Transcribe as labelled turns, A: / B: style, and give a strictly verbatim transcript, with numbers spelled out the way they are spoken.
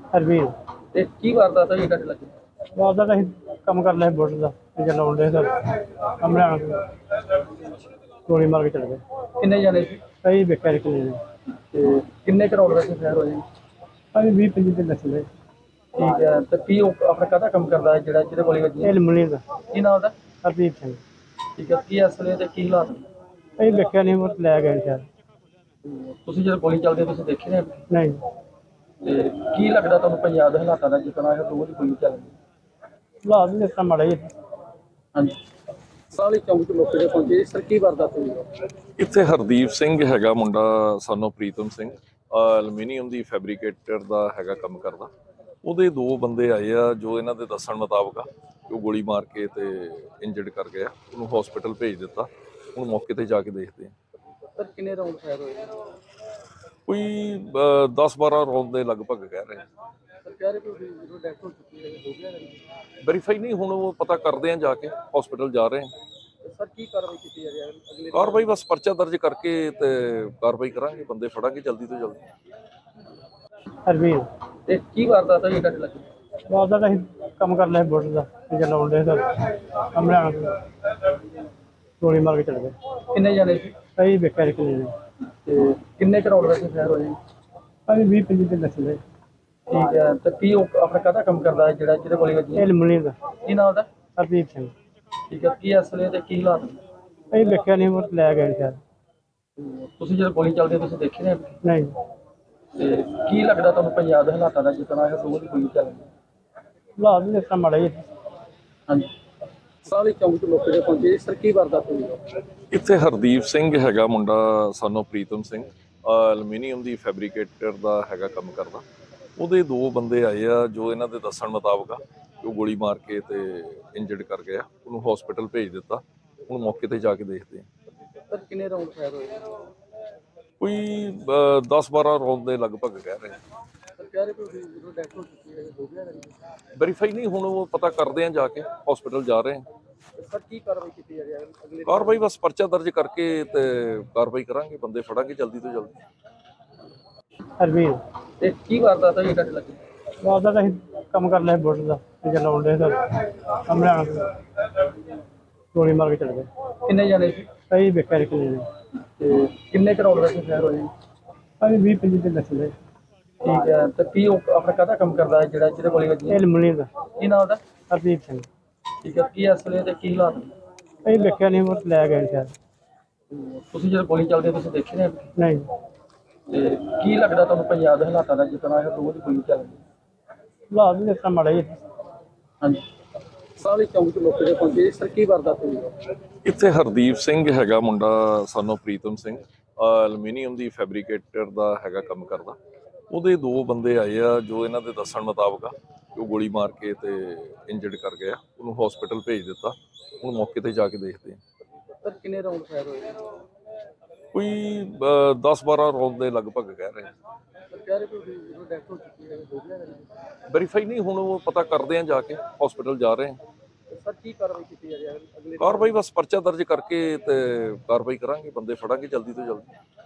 A: ਹਰਵੀਰ
B: ਤੇ ਕੀ ਵਾਰਦਾਤ ਹੋਈ ਤੁਹਾਡੇ ਲੱਗੇ?
A: ਵਾਦਾ ਤਾਂ ਅਸੀਂ ਕੰਮ ਕਰ ਲਿਆ ਬੁੱਟ ਦਾ ਤੇ ਚਲਾਉਣ ਦੇ ਸਰ ਕੰਮ ਲੈਣਾ ਗੋਲੀ ਮਾਰ ਕੇ ਚਲੇ ਗਏ।
B: ਕਿੰਨੇ ਜਾਣੇ ਸੀ
A: ਅਸੀਂ ਵੇਖਿਆ ਇੱਕ ਨੇ
B: ਤੇ ਕਿੰਨੇ ਕਰੋੜ ਦਾ ਫੈਰ ਹੋਏ?
A: ਅਸੀਂ ਵੀਹ ਪੰਜੀ ਤੇ ਨਸਲੇ
B: ਠੀਕ ਹੈ। ਤੇ ਕੀ ਉਹ ਆਪਣਾ ਕਾਹਦਾ ਕੰਮ ਕਰਦਾ ਹੈ ਜਿਹੜਾ ਜਿਹਦੇ ਗੋਲੀ ਵੱਜੀ?
A: ਇਹ ਲਮਣੀ ਦਾ
B: ਕੀ ਨਾਮ ਉਹਦਾ?
A: ਹਰਦੀਪ ਸਿੰਘ।
B: ਠੀਕ ਹੈ। ਕੀ ਅਸਲੇ ਤੇ ਕੀ ਹਾਲਾਤ?
A: ਅਸੀਂ ਵੇਖਿਆ ਨਹੀਂ ਉਹ ਲੈ ਗਏ ਸ਼ਾਇਦ।
B: ਤੁਸੀਂ ਜਦੋਂ ਗੋਲੀ ਚੱਲਦੀ ਹੈ ਤੁਸੀਂ ਦੇਖੇ ਨੇ?
A: ਨਹੀਂ
B: ਤੇ ਕੀ ਲੱਗਦਾ ਤੁਹਾਨੂੰ ਪੰਜਾਬ ਦੇ ਹਾਲਾਤਾਂ ਦਾ, ਜਿਸ ਤਰ੍ਹਾਂ ਇਹ ਰੋਜ਼ ਗੋਲੀ ਚੱਲਦੀ?
A: ਹਾਲਾਤ ਵੀ ਇਸ ਤਰ੍ਹਾਂ ਮਾੜਾ ਹੀ
B: ਹਾਂਜੀ। ਸਾਲੀ ਚੌਂਕ ਮੌਕੇ ਤੇ ਪਹੁੰਚੇ ਸਰ, ਕੀ ਵਾਰਦਾਤ ਹੋਈ?
C: ਇੱਥੇ ਹਰਦੀਪ ਸਿੰਘ ਹੈਗਾ ਮੁੰਡਾ, ਸਾਨੂੰ ਪ੍ਰੀਤਮ ਸਿੰਘ, ਐਲੂਮੀਨੀਅਮ ਦੀ ਫੈਬਰੀਕੇਟਰ ਦਾ ਹੈਗਾ ਕੰਮ ਕਰਦਾ। ਉਹਦੇ ਦੋ ਬੰਦੇ ਆਏ ਆ ਜੋ ਇਹਨਾਂ ਦੇ ਦੱਸਣ ਮੁਤਾਬਕ ਆ ਉਹ ਗੋਲੀ ਮਾਰ ਕੇ ਤੇ ਇੰਜਰਡ ਕਰ ਗਿਆ। ਉਹਨੂੰ ਹਸਪੀਟਲ ਭੇਜ ਦਿੱਤਾ। ਹੁਣ ਮੌਕੇ ਤੇ ਜਾ ਕੇ ਦੇਖਦੇ ਆ।
B: ਸਰ ਕਿੰਨੇ ਰਾਉਂਡ ਫਾਇਰ ਹੋਏ?
C: ਕੋਈ ਦਸ ਬਾਰਾਂ ਰੌਂਦ ਦੇ ਲਗਭਗ ਕਹਿ ਰਹੇ।
B: ਸਰ ਕਹਿ ਰਹੇ ਕਿ ਜਦੋਂ ਡੈਥ ਹੋ ਚੁੱਕੀ ਹੈ ਹੋ ਗਿਆ?
C: ਵੈਰੀਫਾਈ ਨਹੀਂ, ਹੁਣ ਉਹ ਪਤਾ ਕਰਦੇ ਆ ਜਾ ਕੇ, ਹਸਪੀਟਲ ਜਾ ਰਹੇ ਆ।
B: ਸਰ ਕੀ ਕਾਰਵਾਈ ਕੀਤੀ ਜਾ ਰਹੀ ਹੈ ਅਗਲੇ?
C: ਕਾਰਵਾਈ ਬਸ ਪਰਚਾ ਦਰਜ ਕਰਕੇ ਤੇ ਕਾਰਵਾਈ ਕਰਾਂਗੇ, ਬੰਦੇ ਫੜਾਂਗੇ ਜਲਦੀ ਤੋਂ ਜਲਦੀ।
A: ਹਰਵੀਰ
B: ਤੇ ਕੀ ਵਾਰਦਾਤ ਹੋਈ ਤੁਹਾਡੇ ਲੱਗੇ?
A: ਵਾਦਾ ਤਾਂ ਅਸੀਂ ਕੰਮ ਕਰ ਲਿਆ ਬੁੱਟ ਦਾ ਤੇ ਚਲਾਉਣ ਦੇ ਸਰ ਕੰਮ ਲੈਣਾ ਗੋਲੀ ਮਾਰ ਕੇ ਚਲੇ ਗਏ।
B: ਕਿੰਨੇ ਜਾਣੇ ਸੀ
A: ਅਸੀਂ ਵੇਖਿਆ ਇੱਕ ਨੇ
B: ਤੇ ਕਿੰਨੇ ਕਰੋੜ ਦਾ ਫੈਰ ਹੋਏ?
A: ਅਸੀਂ ਵੀਹ ਪੰਜੀ ਤੇ ਨਸਲੇ
B: ਠੀਕ ਹੈ। ਤੇ ਕੀ ਉਹ ਆਪਣਾ ਕਾਹਦਾ ਕੰਮ ਕਰਦਾ ਹੈ ਜਿਹੜਾ ਜਿਹਦੇ ਗੋਲੀ ਵੱਜੀ?
A: ਇਹ ਲਮਣੀ ਦਾ
B: ਕੀ ਨਾਮ ਉਹਦਾ?
A: ਹਰਦੀਪ ਸਿੰਘ।
B: ਠੀਕ ਹੈ। ਕੀ ਅਸਲੇ ਤੇ ਕੀ ਹਾਲਾਤ?
A: ਅਸੀਂ ਵੇਖਿਆ ਨਹੀਂ ਉਹ ਲੈ ਗਏ ਸ਼ਾਇਦ।
B: ਤੁਸੀਂ ਜਦੋਂ ਗੋਲੀ ਚੱਲਦੀ ਹੈ ਤੁਸੀਂ ਦੇਖੇ ਨੇ?
A: ਨਹੀਂ
B: ਤੇ ਕੀ ਲੱਗਦਾ ਤੁਹਾਨੂੰ ਪੰਜਾਬ ਦੇ ਹਾਲਾਤਾਂ ਦਾ, ਜਿਸ ਤਰ੍ਹਾਂ ਇਹ ਰੋਜ਼ ਗੋਲੀ ਚੱਲਦੀ?
A: ਹਾਲਾਤ ਵੀ ਇਸ ਤਰ੍ਹਾਂ ਮਾੜਾ ਹੀ
B: ਹਾਂਜੀ। ਸਾਲੀ ਚੌਂਕ ਮੌਕੇ ਤੇ ਪਹੁੰਚੇ ਸਰ, ਕੀ ਵਾਰਦਾਤ ਹੋਈ?
C: ਇੱਥੇ ਹਰਦੀਪ ਸਿੰਘ ਹੈਗਾ ਮੁੰਡਾ, ਸਾਨੂੰ ਪ੍ਰੀਤਮ ਸਿੰਘ, ਐਲੂਮੀਨੀਅਮ ਦੀ ਫੈਬਰੀਕੇਟਰ ਦਾ ਹੈਗਾ ਕੰਮ ਕਰਦਾ। ਉਹਦੇ ਦੋ ਬੰਦੇ ਆਏ ਆ ਜੋ ਇਹਨਾਂ ਦੇ ਦੱਸਣ ਮੁਤਾਬਕ ਆ ਉਹ ਗੋਲੀ ਮਾਰ ਕੇ ਤੇ ਇੰਜਰਡ ਕਰ ਗਿਆ। ਉਹਨੂੰ ਹਸਪੀਟਲ ਭੇਜ ਦਿੱਤਾ। ਹੁਣ ਮੌਕੇ ਤੇ ਜਾ ਕੇ ਦੇਖਦੇ ਆ।
B: ਸਰ ਕਿੰਨੇ ਰਾਉਂਡ ਫਾਇਰ ਹੋਏ?
C: ਕੋਈ ਦਸ ਬਾਰਾਂ ਰੌਂਦ ਦੇ ਲਗਭਗ ਕਹਿ ਰਹੇ।
B: ਸਰ ਕਹਿ ਰਹੇ ਕਿ ਜਦੋਂ ਡੈਥ ਹੋ ਚੁੱਕੀ ਹੈ ਹੋ ਗਿਆ?
C: ਵੈਰੀਫਾਈ ਨਹੀਂ, ਹੁਣ ਉਹ ਪਤਾ ਕਰਦੇ ਆ ਜਾ ਕੇ, ਹਸਪੀਟਲ ਜਾ ਰਹੇ ਆ।
B: ਸਰ ਕੀ ਕਾਰਵਾਈ ਕੀਤੀ ਜਾ ਰਹੀ ਹੈ ਅਗਲੇ?
C: ਕਾਰਵਾਈ ਬਸ ਪਰਚਾ ਦਰਜ ਕਰਕੇ ਤੇ ਕਾਰਵਾਈ ਕਰਾਂਗੇ, ਬੰਦੇ ਫੜਾਂਗੇ ਜਲਦੀ ਤੋਂ ਜਲਦੀ।
A: ਹਰਵੀਰ
B: ਤੇ ਕੀ ਵਾਰਦਾਤ ਹੋਈ ਤੁਹਾਡੇ ਲੱਗੇ?
A: ਵਾਦਾ ਤਾਂ ਅਸੀਂ ਕੰਮ ਕਰ ਲਿਆ ਬੁੱਟ ਦਾ ਤੇ ਚਲਾਉਣ ਦੇ ਸਰ ਕੰਮ ਲੈਣਾ ਗੋਲੀ ਮਾਰ ਕੇ ਚਲੇ ਗਏ।
B: ਕਿੰਨੇ ਜਾਣੇ ਸੀ
A: ਅਸੀਂ ਵੇਖਿਆ ਇੱਕ ਨੇ
B: ਤੇ ਕਿੰਨੇ ਕਰੋੜ ਦਾ ਫੈਰ ਹੋਏ?
A: ਅਸੀਂ ਵੀਹ ਪੰਜੀ ਤੇ ਨਸਲੇ
B: ਠੀਕ ਹੈ। ਤੇ ਕੀ ਉਹ ਆਪਣਾ ਕਾਹਦਾ ਕੰਮ ਕਰਦਾ ਹੈ ਜਿਹੜਾ ਜਿਹਦੇ ਗੋਲੀ ਵੱਜੀ?
A: ਇਹ ਲਮਣੀ ਦਾ
B: ਕੀ ਨਾਮ ਉਹਦਾ?
A: ਹਰਦੀਪ ਸਿੰਘ।
B: ਠੀਕ ਹੈ। ਕੀ ਅਸਲੇ ਤੇ ਕੀ ਹਾਲਾਤ?
A: ਅਸੀਂ ਵੇਖਿਆ ਨਹੀਂ ਉਹ ਲੈ ਗਏ ਸ਼ਾਇਦ।
B: ਤੁਸੀਂ ਜਦੋਂ ਗੋਲੀ ਚੱਲਦੀ ਹੈ ਤੁਸੀਂ ਦੇਖੇ ਨੇ?
A: ਨਹੀਂ
B: ਤੇ ਕੀ ਲੱਗਦਾ ਤੁਹਾਨੂੰ ਪੰਜਾਬ ਦੇ ਹਾਲਾਤਾਂ ਦਾ, ਜਿਸ ਤਰ੍ਹਾਂ ਇਹ ਰੋਜ਼ ਗੋਲੀ ਚੱਲਦੀ?
A: ਹਾਲਾਤ ਵੀ ਇਸ ਤਰ੍ਹਾਂ ਮਾੜਾ ਹੀ
B: ਹਾਂਜੀ। ਸਾਲੀ ਚੌਂਕ ਮੌਕੇ ਤੇ ਪਹੁੰਚੇ ਸਰ, ਕੀ ਵਾਰਦਾਤ ਹੋਈ?
C: ਇੱਥੇ ਹਰਦੀਪ ਸਿੰਘ ਹੈਗਾ ਮੁੰਡਾ, ਸਾਨੂੰ ਪ੍ਰੀਤਮ ਸਿੰਘ, ਐਲੂਮੀਨੀਅਮ ਦੀ ਫੈਬਰੀਕੇਟਰ ਦਾ ਹੈਗਾ ਕੰਮ ਕਰਦਾ। ਉਹਦੇ ਦੋ ਬੰਦੇ ਆਏ ਆ ਜੋ ਇਹਨਾਂ ਦੇ ਦੱਸਣ ਮੁਤਾਬਕ ਆ ਉਹ ਗੋਲੀ ਮਾਰ ਕੇ ਤੇ ਇੰਜਰਡ ਕਰ ਗਿਆ। ਉਹਨੂੰ ਹਸਪੀਟਲ ਭੇਜ ਦਿੱਤਾ। ਹੁਣ ਮੌਕੇ ਤੇ ਜਾ ਕੇ ਦੇਖਦੇ ਆ।
B: ਸਰ ਕਿੰਨੇ ਰਾਉਂਡ ਫਾਇਰ ਹੋਏ?
C: ਕੋਈ ਦਸ ਬਾਰਾਂ ਰੌਂਦ ਦੇ ਲਗਭਗ ਕਹਿ ਰਹੇ।
B: ਸਰ ਕਹਿ ਰਹੇ ਕਿ ਜਦੋਂ ਡੈਥ ਹੋ ਚੁੱਕੀ ਹੈ ਹੋ ਗਿਆ?
C: ਵੈਰੀਫਾਈ ਨਹੀਂ, ਹੁਣ ਉਹ ਪਤਾ ਕਰਦੇ ਆ ਜਾ ਕੇ, ਹਸਪੀਟਲ ਜਾ ਰਹੇ ਆ।
B: ਸਰ ਕੀ ਕਾਰਵਾਈ ਕੀਤੀ ਜਾ ਰਹੀ ਹੈ ਅਗਲੇ?
C: ਕਾਰਵਾਈ ਬਸ ਪਰਚਾ ਦਰਜ ਕਰਕੇ ਤੇ ਕਾਰਵਾਈ ਕਰਾਂਗੇ, ਬੰਦੇ ਫੜਾਂਗੇ ਜਲਦੀ ਤੋਂ ਜਲਦੀ।